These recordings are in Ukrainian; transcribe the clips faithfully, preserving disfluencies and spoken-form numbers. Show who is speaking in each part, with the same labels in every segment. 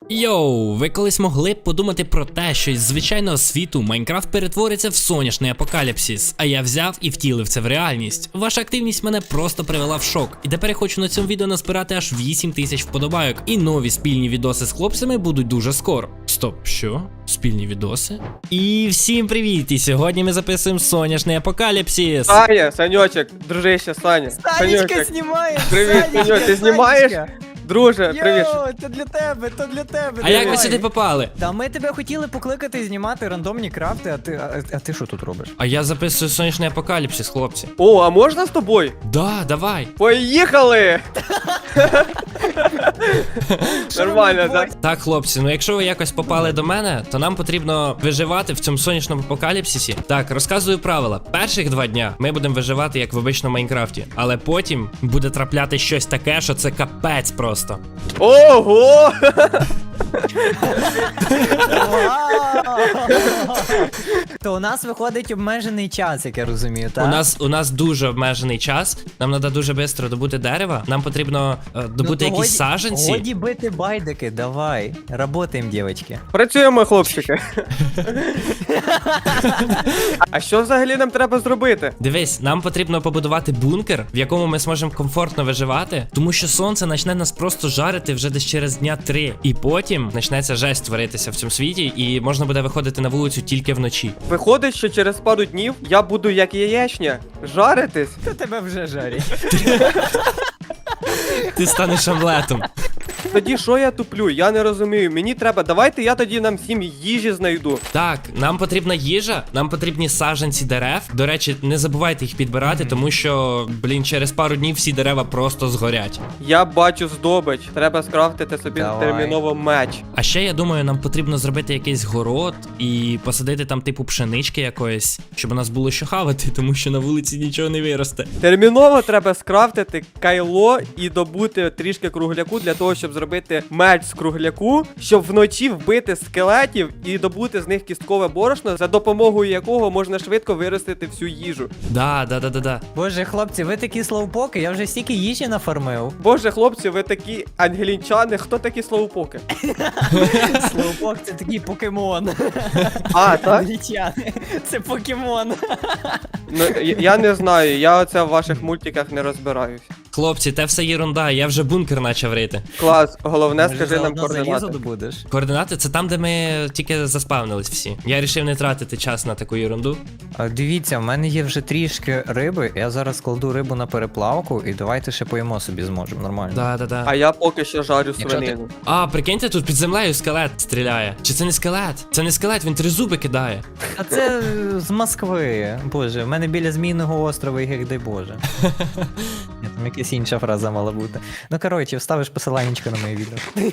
Speaker 1: Йоу, ви колись могли б подумати про те, що із звичайного світу Майнкрафт перетвориться в соняшний апокаліпсис, а я взяв і втілив це в реальність. Ваша активність мене просто привела в шок. І тепер я хочу на цьому відео назбирати аж вісім тисяч вподобайок. І нові спільні відоси з хлопцями будуть дуже скоро. Стоп, що? Спільні відоси? І всім привіт! І сьогодні ми записуємо соняшний апокаліпсис.
Speaker 2: Саня, Санечек, дружище, Саня.
Speaker 3: Санечка знімає!
Speaker 2: Привіт, Саньок, ти знімаєш? Друже, привіт.
Speaker 3: Йоу, то для тебе, то для тебе.
Speaker 1: А як ви сюди попали?
Speaker 3: Та ми тебе хотіли покликати і знімати рандомні крафти, а ти, а, а ти що тут робиш?
Speaker 1: А я записую сонячний апокаліпсис, хлопці.
Speaker 2: О, а можна з тобою?
Speaker 1: Да, давай.
Speaker 2: Поїхали! Нормально, так?
Speaker 1: Так, хлопці, ну якщо ви якось попали до мене, то нам потрібно виживати в цьому сонячному апокаліпсисі. Так, розказую правила. Перших два дня ми будемо виживати як в обичному Майнкрафті, але потім буде трапляти щось таке, що це капець просто.
Speaker 2: Ого!
Speaker 3: То у нас виходить обмежений час, як я розумію, так?
Speaker 1: У нас у нас дуже обмежений час. Нам треба дуже швидко добути дерева. Нам потрібно е, добути
Speaker 3: Ну, то
Speaker 1: якісь
Speaker 3: годі-
Speaker 1: саджанці.
Speaker 3: Годі бити байдики, давай. Работаємо, дівчатки.
Speaker 2: Працюємо, хлопчики. А що взагалі нам треба зробити?
Speaker 1: Дивись, нам потрібно побудувати бункер, в якому ми зможемо комфортно виживати, тому що сонце почне нас просто жарити вже десь через дня три. І потім почнеться жесть творитися в цьому світі, і можна буде виходити на вулицю тільки вночі.
Speaker 2: Виходить, що через пару днів я буду як яєчня жаритись.
Speaker 3: Та тебе вже жарять.
Speaker 1: Ти станеш омлетом.
Speaker 2: Тоді що я туплю? Я не розумію. Мені треба. Давайте я тоді нам всім їжі знайду.
Speaker 1: Так, нам потрібна їжа, нам потрібні саджанці дерев. До речі, не забувайте їх підбирати, тому що, блін, через пару днів всі дерева просто згорять.
Speaker 2: Я бачу здобич. Треба скрафтити собі
Speaker 3: Давай.
Speaker 2: терміново меч.
Speaker 1: А ще я думаю, нам потрібно зробити якийсь город і посадити там типу пшенички якоїсь, щоб у нас було що хавати, тому що на вулиці нічого не виросте.
Speaker 2: Терміново треба скрафтити кайло і добути трішки кругляку для того, щоб зробити меч з кругляку, щоб вночі вбити скелетів і добути з них кісткове борошно, за допомогою якого можна швидко виростити всю їжу.
Speaker 1: Да, да, да, да, да.
Speaker 3: Боже, хлопці, ви такі слоупоки, я вже стільки їжі нафармив.
Speaker 2: Боже, хлопці, ви такі ангелінчани, хто такі слоупоки?
Speaker 3: Слоупок це такий покемон.
Speaker 2: А, так?
Speaker 3: Англічани. Це покемон.
Speaker 2: Ну, я- я не знаю, я оце в ваших мультиках не розбираюсь.
Speaker 1: Хлопці, те все єрунда, я вже бункер почав рити.
Speaker 2: Клас, головне,
Speaker 3: Може,
Speaker 2: скажи нам
Speaker 3: заодно залізо
Speaker 2: координати.
Speaker 3: добудеш?
Speaker 1: Координати це там, де ми тільки заспавнились всі. Я вирішив не тратити час на таку єрунду.
Speaker 3: А, Дивіться, в мене є вже трішки риби, я зараз кладу рибу на переплавку і давайте ще поїмо собі зможемо, нормально.
Speaker 1: Да, да, да.
Speaker 2: А я поки що жарю
Speaker 3: Якщо ти-
Speaker 2: свинину.
Speaker 1: А, прикиньте, тут під землею скелет стріляє. Чи це не скелет? Це не скелет, він три зуби кидає.
Speaker 3: А це е, з Москви. Боже, в мене біля Змійного острова, як дай Боже. Ні, там якась інша фраза мала бути. Ну коротше, вставиш посиланнячко на моє відео.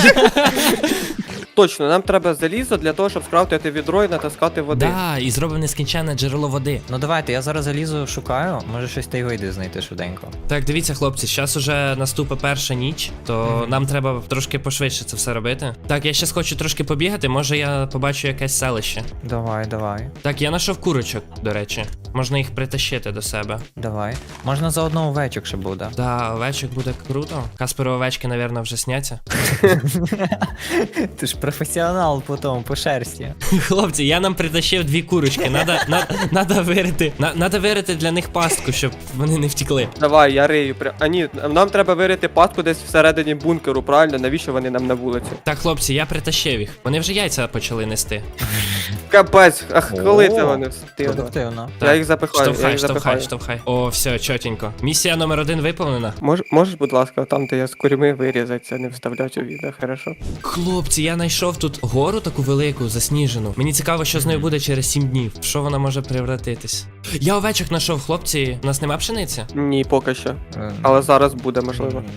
Speaker 2: Точно, нам треба залізо для того, щоб скрафтити відро і натаскати води.
Speaker 1: Да, і зробив нескінченне джерело води.
Speaker 3: Ну давайте, я зараз залізу, шукаю, може щось та й вийде знайти швиденько.
Speaker 1: Так, дивіться, хлопці, зараз уже наступить перша ніч, то
Speaker 3: Мгм.
Speaker 1: нам треба трошки пошвидше це все робити. Так, я ще хочу трошки побігати, може я побачу якесь селище.
Speaker 3: Давай, давай,
Speaker 1: Так, я знайшов курочок, до речі. Можна їх притащити до себе.
Speaker 3: давай. Можна заодно овечок ще буде.
Speaker 1: Да, овечок буде круто. Касперу овечки, напевно, вже сняться.
Speaker 3: Ти ж професіонал по тому, по шерсті.
Speaker 1: Хлопці, я нам притащив дві курочки. Надо, на, надо вирити. На, надо вирити для них пастку, щоб вони не втікли.
Speaker 2: Давай, я рию. пря- А ні, нам треба вирити пастку десь всередині бункеру, правильно? Навіщо вони нам на вулиці?
Speaker 1: Так, хлопці, я притащив їх. Вони вже яйця почали нести.
Speaker 2: Капець, ах, коли це
Speaker 3: О,
Speaker 2: вони встигли?
Speaker 3: Продуктивно.
Speaker 2: Я їх запихаю, я
Speaker 1: Штовхай,
Speaker 2: їх
Speaker 1: штовхай,
Speaker 2: запихаю.
Speaker 1: штовхай. О, все, чотенько. Місія номер один виповнена.
Speaker 2: Мож, можеш, будь ласка, там, де я з курми вирізати, це не вставляти у відео, хорошо?
Speaker 1: Хлопці, я знайшов тут гору таку велику, засніжену. Мені цікаво, що з нею буде через сім днів. В що вона може превратитись? Я овечок знайшов, хлопці. У нас нема пшениці?
Speaker 2: Ні, поки що.
Speaker 3: Е,
Speaker 2: Але зараз буде, можливо.
Speaker 3: ні.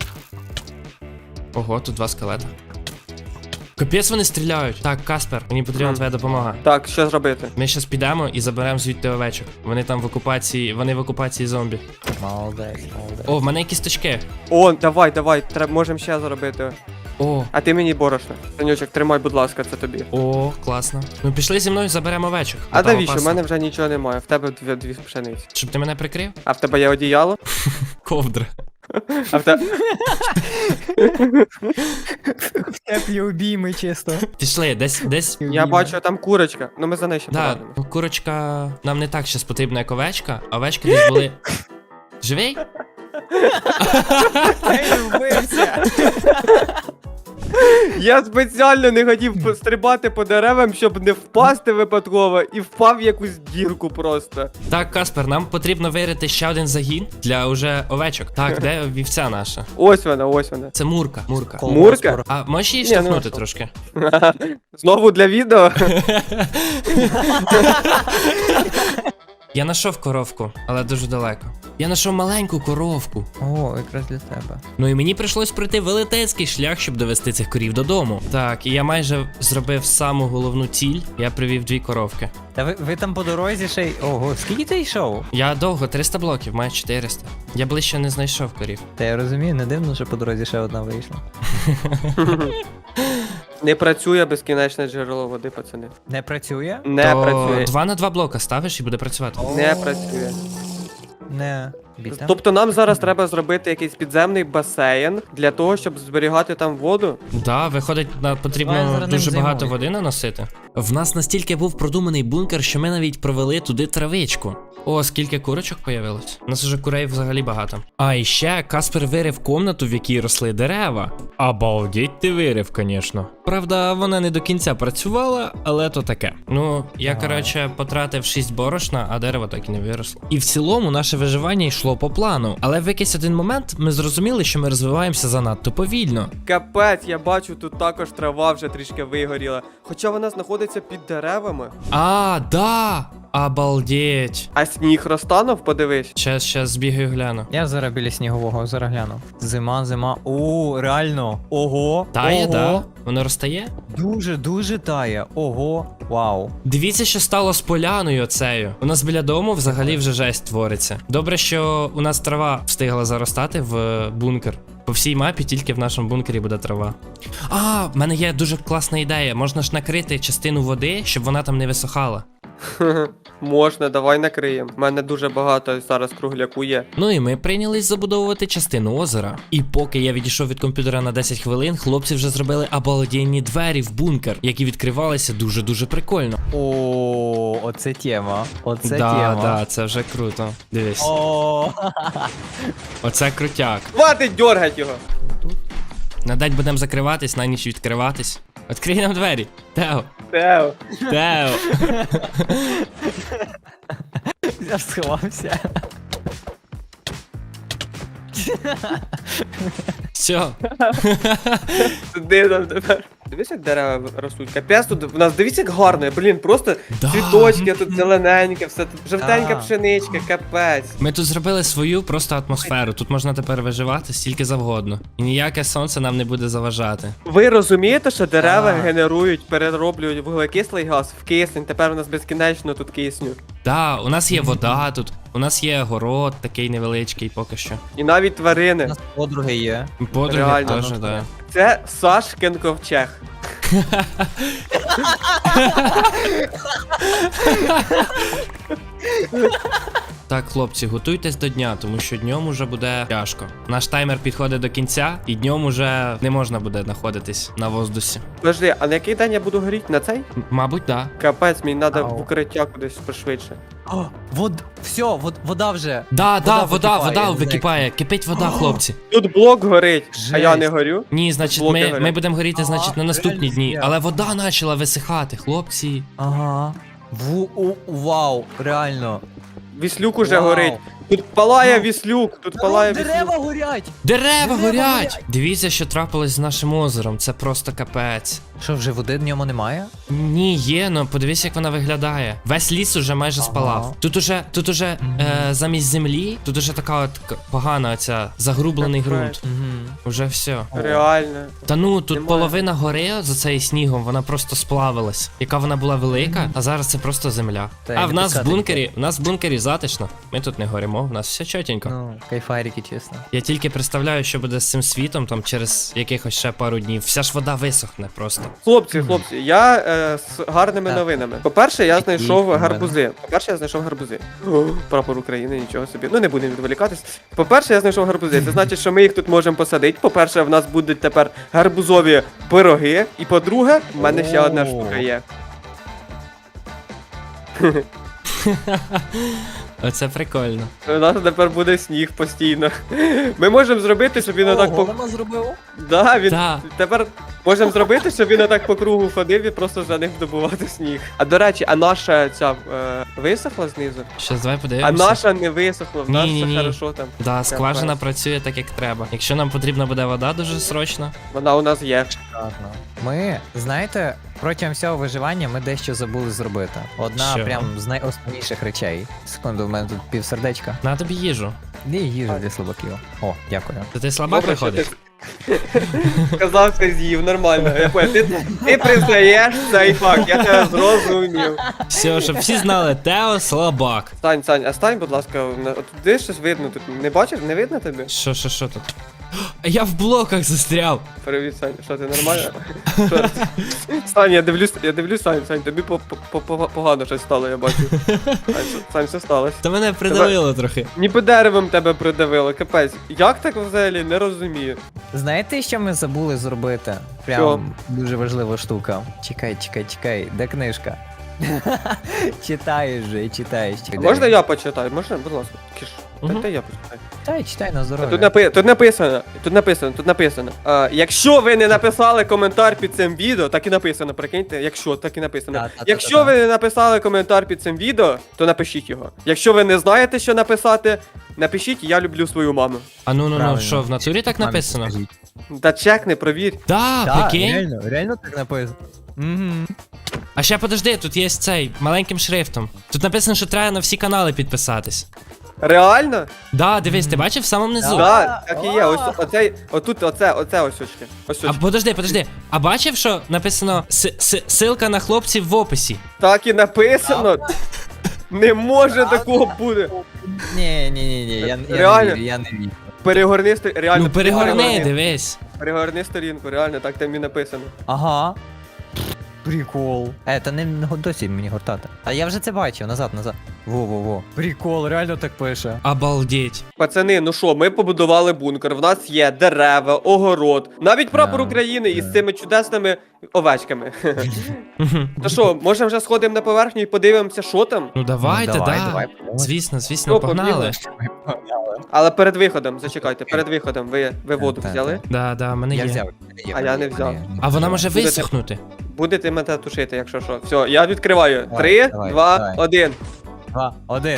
Speaker 1: Ого, тут два скелета. Капець вони стріляють. Так, Каспер, мені потрібна
Speaker 2: Мгм.
Speaker 1: твоя допомога.
Speaker 2: Так, що зробити?
Speaker 1: Ми зараз підемо і заберемо звідти овечок. Вони там в окупації, вони в окупації зомбі.
Speaker 3: Молодець, молодець.
Speaker 1: О, в мене якісь точки.
Speaker 2: О, давай, давай, треба, можемо ще зробити.
Speaker 1: О,
Speaker 2: А ти мені борошно. Санючок, тримай, будь ласка, це тобі.
Speaker 1: о, класно. Ну пішли зі мною, заберемо овечок.
Speaker 2: А
Speaker 1: Ну, там
Speaker 2: навіщо? У
Speaker 1: опасно.
Speaker 2: мене вже нічого немає. В тебе дві, дві пшениці.
Speaker 1: Щоб ти мене прикрив?
Speaker 2: А в тебе є одіяло?
Speaker 1: Ковдра.
Speaker 2: А в те...
Speaker 3: В теплі обійми чисто.
Speaker 1: Пішли, десь, десь.
Speaker 2: Я бачу, там курочка. Ну ми за нею ще
Speaker 1: Да,
Speaker 2: повернемо.
Speaker 1: ну, курочка нам не так щас потрібна, як овечка, а овечки десь були. Живий?
Speaker 3: Ей, вбився!
Speaker 2: Я спеціально не хотів пострибати по деревам, щоб не впасти випадково, і впав в якусь дірку просто.
Speaker 1: Так, Каспер, нам потрібно вирити ще один загін для уже овечок. Так, де вівця наша?
Speaker 2: Ось вона, ось вона.
Speaker 1: Це Мурка. Мурка.
Speaker 3: Колгосп
Speaker 2: Мурка?
Speaker 3: скоро.
Speaker 1: А можеш її
Speaker 2: Ні, ну,
Speaker 1: штовхнути
Speaker 2: що?
Speaker 1: трошки?
Speaker 2: Знову для відео.
Speaker 1: Я знайшов коровку, але дуже далеко. Я знайшов маленьку коровку.
Speaker 3: О, якраз для тебе.
Speaker 1: Ну і мені прийшлось пройти велетенський шлях, щоб довести цих корів додому. Так, і я майже зробив саму головну ціль. Я привів дві коровки.
Speaker 3: Та ви, ви там по дорозі ще й. Ого, скільки ти йшов?
Speaker 1: Я довго, триста блоків, маю чотириста. Я ближче не знайшов корів.
Speaker 3: Та я розумію, не дивно, що по дорозі ще одна вийшла.
Speaker 2: Не працює безкінечне джерело води, пацани.
Speaker 3: Не працює?
Speaker 2: Не
Speaker 1: То
Speaker 2: працює.
Speaker 1: два на два блока ставиш і буде працювати.
Speaker 2: Не працює.
Speaker 3: Не. Біта?
Speaker 2: Тобто нам зараз треба зробити якийсь підземний басейн для того, щоб зберігати там воду.
Speaker 1: Да, виходить, на
Speaker 3: Давай
Speaker 1: потрібно
Speaker 3: зараз ним
Speaker 1: дуже багато
Speaker 3: займусь.
Speaker 1: води наносити. В нас настільки був продуманий бункер, що ми навіть провели туди травичку. О, скільки курочок появилось. У нас уже курей взагалі багато. А і ще Каспер вирив комнату, в якій росли дерева. Обалдеть ти вирив, звісно. Правда, вона не до кінця працювала, але то таке. Ну, я,
Speaker 3: Ага.
Speaker 1: коротше, потратив шість борошна, а дерево так і не виросло. І в цілому наше виживання йшло по плану. Але в якийсь один момент ми зрозуміли, що ми розвиваємося занадто повільно.
Speaker 2: Капець, я бачу, тут також трава вже трішки вигоріла. Хоча вона знаходиться під деревами.
Speaker 1: А, да! Обалдеть.
Speaker 2: А сніг розтанув, подивись.
Speaker 1: Щас, щас збігаю гляну.
Speaker 3: Я зараз біля снігового, зараз гляну. Зима, зима. О, реально. Ого.
Speaker 1: Тає,
Speaker 3: ого.
Speaker 1: да? Воно розтає?
Speaker 3: Дуже, дуже тає. Ого. Вау.
Speaker 1: Дивіться, що стало з поляною оцею. У нас біля дому взагалі вже жесть твориться. Добре, що у нас трава встигла заростати в бункер. По всій мапі тільки в нашому бункері буде трава. А, в мене є дуже класна ідея. Можна ж накрити частину води, щоб вона там не висохала.
Speaker 2: Можна, давай накриємо. У мене дуже багато зараз кругляку є.
Speaker 1: Ну і ми прийнялись забудовувати частину озера. І поки я відійшов від комп'ютера на десять хвилин, хлопці вже зробили обалденні двері в бункер, які відкривалися дуже-дуже прикольно.
Speaker 3: О, оце тема. Оце
Speaker 1: да,
Speaker 3: тема.
Speaker 1: да, це вже круто. Дивись.
Speaker 3: О,
Speaker 1: Оце крутяк.
Speaker 2: Хватить дергать його!
Speaker 1: На день будемо закриватись, на ніч відкриватись. Відкрий нам двері. Тео.
Speaker 2: Тео.
Speaker 1: Тео.
Speaker 3: я ж сховався.
Speaker 1: Все.
Speaker 2: Туди нам тепер. Дивись, як дерева ростуть. Капець тут в нас, дивіться, як гарно. Блін, просто
Speaker 1: Да.
Speaker 2: цвіточки, тут зелененьке, все тут жовтенька
Speaker 3: Да.
Speaker 2: пшеничка, капець.
Speaker 1: Ми тут зробили свою просто атмосферу. Тут можна тепер виживати стільки завгодно. І ніяке сонце нам не буде заважати.
Speaker 2: Ви розумієте, що дерева
Speaker 3: Так.
Speaker 2: генерують, перероблюють вуглекислий газ в кисень, тепер у нас безкінечно тут кисню.
Speaker 1: Да, у нас є вода тут, у нас є город такий невеличкий поки що.
Speaker 2: І навіть
Speaker 3: У
Speaker 2: тварини.
Speaker 3: нас подруги є.
Speaker 1: Подруги
Speaker 2: Реально,
Speaker 1: теж,
Speaker 3: ну,
Speaker 1: да.
Speaker 2: Це Сашкин ковчег.
Speaker 1: Так, хлопці, готуйтесь до дня, тому що днем уже буде тяжко. Наш таймер підходить до кінця, і днем уже не можна буде знаходитись на воздусі.
Speaker 2: Подожди, а на який день я буду горіти? На цей?
Speaker 1: М- Мабуть, да.
Speaker 2: Капець, мені треба
Speaker 3: Ау.
Speaker 2: в укриття кудись пошвидше.
Speaker 3: О, вод, все, вод, вода вже.
Speaker 1: Да, да,
Speaker 3: Вода
Speaker 1: вода,
Speaker 3: википає,
Speaker 1: вода
Speaker 3: Зек.
Speaker 1: википає. Кипить вода, хлопці.
Speaker 2: Тут блок горить, а я
Speaker 3: Жесть.
Speaker 2: не горю.
Speaker 1: Ні, значить,
Speaker 2: Блоки
Speaker 1: ми,
Speaker 2: горять.
Speaker 1: ми будемо горіти,
Speaker 3: Ага,
Speaker 1: значить, на наступні
Speaker 3: реально
Speaker 1: дні.
Speaker 3: є.
Speaker 1: Але вода почала висихати, хлопці.
Speaker 3: Ага. Ву, у, вау, реально.
Speaker 2: Віслюк уже
Speaker 3: Вау.
Speaker 2: горить. Тут палає
Speaker 3: Ну.
Speaker 2: віслюк, тут палає
Speaker 3: Дерева
Speaker 2: віслюк.
Speaker 3: горять!
Speaker 1: Дерева
Speaker 3: Дерева
Speaker 1: горять!
Speaker 3: горять!
Speaker 1: Дивіться, що трапилось з нашим озером. Це просто капець.
Speaker 3: Що, вже води в ньому немає?
Speaker 1: Ні, є, ну подивись, як вона виглядає. Весь ліс уже майже
Speaker 3: Ага.
Speaker 1: спалав. Тут уже, тут уже
Speaker 3: Мгм.
Speaker 1: е, замість землі, тут уже така от к- погана оця загрублений
Speaker 2: Капець.
Speaker 1: ґрунт.
Speaker 3: Угу.
Speaker 1: Уже все.
Speaker 2: Реально.
Speaker 1: Та ну, тут
Speaker 2: Немає.
Speaker 1: половина гори за цей снігом, вона просто сплавилась. Яка вона була велика, а зараз це просто земля.
Speaker 3: Та
Speaker 1: а
Speaker 3: й
Speaker 1: в
Speaker 3: не
Speaker 1: нас в
Speaker 3: пускати
Speaker 1: бункері, в нас в бункері затишно. Ми тут не горимо. спимо, в нас все чотенько.
Speaker 3: Ну, кайфарики, чесно.
Speaker 1: Я тільки представляю, що буде з цим світом там через якихось ще пару днів. Вся ж вода висохне просто.
Speaker 2: Хлопці, хлопці, я е, з гарними
Speaker 3: Так.
Speaker 2: новинами. По-перше, я
Speaker 3: Які
Speaker 2: знайшов
Speaker 3: новини?
Speaker 2: гарбузи. По-перше, я знайшов гарбузи. О, прапор України, нічого собі. Ну не будемо відволікатись. По-перше, я знайшов гарбузи. Це значить, що ми їх тут можемо посадити. По-перше, в нас будуть тепер гарбузові пироги. І по-друге, в мене ще одна
Speaker 3: О.
Speaker 2: штука є.
Speaker 1: Оце прикольно.
Speaker 2: У нас тепер буде сніг постійно. Ми можемо зробити, щоб він отак по.
Speaker 3: Голема зробив?
Speaker 2: Да, він
Speaker 1: Да.
Speaker 2: тепер можемо зробити, щоб він отак по кругу ходив і просто за ним добувати сніг. А до речі, а наша ця е, висохла знизу?
Speaker 1: Щас давай
Speaker 2: А
Speaker 1: подивимося.
Speaker 2: наша не висохла, в нас
Speaker 1: Ні-ні-ні.
Speaker 2: все хорошо там.
Speaker 1: Да, скважина
Speaker 2: Капець.
Speaker 1: працює так, як треба. Якщо нам потрібна буде вода дуже срочно.
Speaker 2: Вона у нас є.
Speaker 3: Шикарно. Ми, знаєте, протягом всього виживання ми дещо забули зробити. Одна
Speaker 1: Що?
Speaker 3: прям з найосновніших речей. Секунду, в мене тут півсердечка.
Speaker 1: На тобі їжу.
Speaker 3: Де їжа для слабаків? О, дякую.
Speaker 1: То ти слабак
Speaker 2: Добре, що
Speaker 1: виходиш?
Speaker 2: ти сказав, що з'їв, нормально. Я понял. Ти, ти признаєш цей факт, я тебе зрозумів.
Speaker 1: Все, щоб всі знали, Тео слабак.
Speaker 2: Стань, Сань, а стань, будь ласка, на- от туди щось видно тут. Не бачиш, не видно тобі?
Speaker 1: Що, що, що тут? А я в блоках застряв.
Speaker 2: Привіт, Сань, що ти нормально? Що? Сань, я дивлюсь, я дивлюсь, Сань, Сань, тобі по- по- по- погано щось стало, я бачу. Сань, що- Сань, що сталося?
Speaker 1: Та мене придавило трохи.
Speaker 2: Ніби деревом тебе придавило, капець. Як так взагалі, не розумію.
Speaker 3: Знаєте, що ми забули зробити? Прям
Speaker 2: Що?
Speaker 3: дуже важлива штука. Чекай, чекай, чекай, де книжка? Читаєш же, читаєш.
Speaker 2: А можна я почитаю? Можна, будь ласка. Кіш.
Speaker 1: Мгм.
Speaker 2: Та я почитаю.
Speaker 3: Читай, читай на
Speaker 2: Тут,
Speaker 3: здоров'я.
Speaker 2: напи... тут написано, тут написано, тут написано. А, якщо ви не написали коментар під цим відео, так і написано, прикиньте, якщо, так і написано.
Speaker 3: Да-да-да-да-да.
Speaker 2: Якщо ви не написали коментар під цим відео, то напишіть його. Якщо ви не знаєте, що написати, напишіть я люблю свою маму.
Speaker 1: А ну ну ну,
Speaker 3: Правильно.
Speaker 1: що, в натурі так
Speaker 3: Мамі
Speaker 1: написано?
Speaker 3: скажіть.
Speaker 2: Та чекни, провір.
Speaker 1: Да,
Speaker 3: Так,
Speaker 1: прикинь.
Speaker 3: реально, реально так написано. Угу.
Speaker 1: А ще подожди, тут є цей маленьким шрифтом. Тут написано, що треба на всі канали підписатись.
Speaker 2: Реально?
Speaker 1: Да, дивись, ти бачив в самому низу?
Speaker 3: Да.
Speaker 2: Так, так і є. Ось оцей, отут, оце, оце ось очки. Ось
Speaker 1: А
Speaker 2: очки.
Speaker 1: подожди, подожди. А бачив, що написано с- с- ссылка на хлопців в описі?
Speaker 2: Так і написано. Не може такого бути.
Speaker 3: Ні, ні, ні, ні, я, я не
Speaker 2: Реально?
Speaker 3: вірю, я не вірю.
Speaker 2: Перегорни сторінку, реально.
Speaker 1: Ну перегорни,
Speaker 2: перегорни.
Speaker 1: дивись.
Speaker 2: Перегорни сторінку, реально, так там і написано.
Speaker 3: Ага. Прикол. Е, та не не го- досі мені гортати. А я вже це бачив, назад, назад. Во-во-во. Прикол, реально так пише.
Speaker 1: Обалдеть.
Speaker 2: Пацани, ну що, ми побудували бункер, в нас є дерева, огород, навіть прапор
Speaker 3: Да,
Speaker 2: України із
Speaker 3: да.
Speaker 2: цими чудесними овечками.
Speaker 1: Мгм.
Speaker 2: То що, може вже сходимо на поверхню і подивимося, що там?
Speaker 1: Ну давайте,
Speaker 3: Ну, давай,
Speaker 1: да.
Speaker 3: давай, давай.
Speaker 1: Звісно, звісно,
Speaker 2: Ну,
Speaker 1: погнали.
Speaker 2: побігли. Але перед виходом, зачекайте, перед виходом ви, ви воду
Speaker 3: Так,
Speaker 2: взяли?
Speaker 1: Да, да, мене
Speaker 3: Я
Speaker 1: є.
Speaker 3: взяв. є,
Speaker 2: А я не взяв.
Speaker 3: є.
Speaker 1: А вона може
Speaker 2: Будете-
Speaker 1: висохнути.
Speaker 2: Будете мене тушити, якщо що. Все, я відкриваю.
Speaker 3: Давай,
Speaker 2: Три,
Speaker 3: давай,
Speaker 2: два,
Speaker 3: давай.
Speaker 2: один.
Speaker 3: Два, один.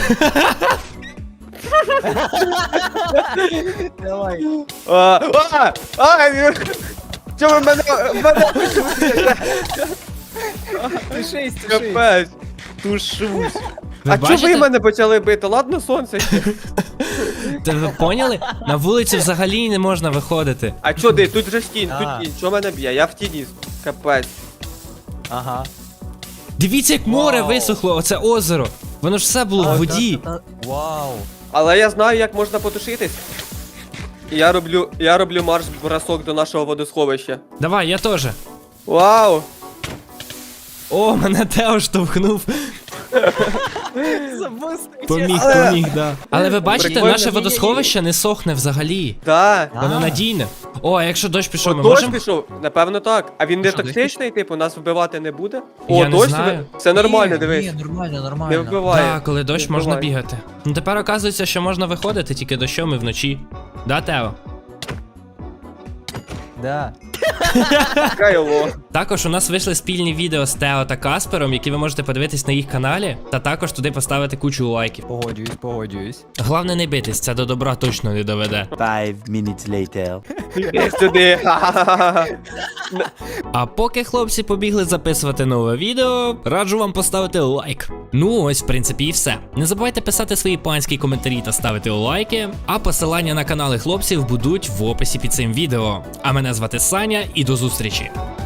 Speaker 3: Давай.
Speaker 2: А, а, а, чого ви мене, мене тушите?
Speaker 3: Тушись, тушись.
Speaker 2: Капець, тушусь.
Speaker 1: Ви
Speaker 2: А чого ви
Speaker 1: бачите?
Speaker 2: мене почали бити? Ладно, сонце ще.
Speaker 1: Та ви поняли? На вулицю взагалі не можна виходити.
Speaker 2: А чо де? Тут же стінь,
Speaker 3: А.
Speaker 2: тут тінь. Чо мене б'є? Я в тіні. Капець.
Speaker 3: Ага.
Speaker 1: Дивіться, як море
Speaker 3: Вау.
Speaker 1: висохло, оце озеро. Воно ж все було в воді.
Speaker 3: Вау.
Speaker 2: Але я знаю, як можна потушитись. І я роблю, я роблю марш-бросок до нашого водосховища.
Speaker 1: Давай, я теж.
Speaker 2: Вау!
Speaker 1: О, мене Тео штовхнув. Поміг,
Speaker 2: Але-
Speaker 1: поміг, да. Але ви бачите,
Speaker 2: Прикольно.
Speaker 1: наше водосховище не сохне взагалі.
Speaker 2: Да.
Speaker 1: Воно
Speaker 3: А.
Speaker 1: надійне. О, а якщо дощ пішов,
Speaker 2: О,
Speaker 1: ми
Speaker 2: дощ
Speaker 1: можемо.
Speaker 2: пішов? Напевно так. А він не
Speaker 3: Що, дощ
Speaker 2: токсичний, типу, нас вбивати не буде?
Speaker 1: Я
Speaker 2: О,
Speaker 1: не
Speaker 2: дощ
Speaker 1: знаю.
Speaker 2: тебе- Все нормально,
Speaker 3: Ні,
Speaker 2: дивись.
Speaker 3: Ні, нормально,
Speaker 2: Не
Speaker 3: нормально.
Speaker 2: вбиває.
Speaker 1: Так, коли дощ,
Speaker 2: Не
Speaker 1: можна
Speaker 2: вбиває.
Speaker 1: бігати. Ну тепер оказується, що можна виходити тільки дощом і вночі. Да, Тео?
Speaker 3: Да.
Speaker 2: Кайло.
Speaker 1: Також у нас вийшли спільні відео з Тео та Каспером, які ви можете подивитись на їх каналі, та також туди поставити кучу лайків.
Speaker 3: Погоджуюсь, погоджуюсь.
Speaker 1: Головне не битись, це до добра точно не доведе.
Speaker 4: Five minutes later.
Speaker 2: Іди сюди. Ха-ха-ха.
Speaker 1: А поки хлопці побігли записувати нове відео, раджу вам поставити лайк. Ну ось, в принципі, і все. Не забувайте писати свої панські коментарі та ставити лайки, а посилання на канали хлопців будуть в описі під цим відео. А мене звати Саня і до зустрічі.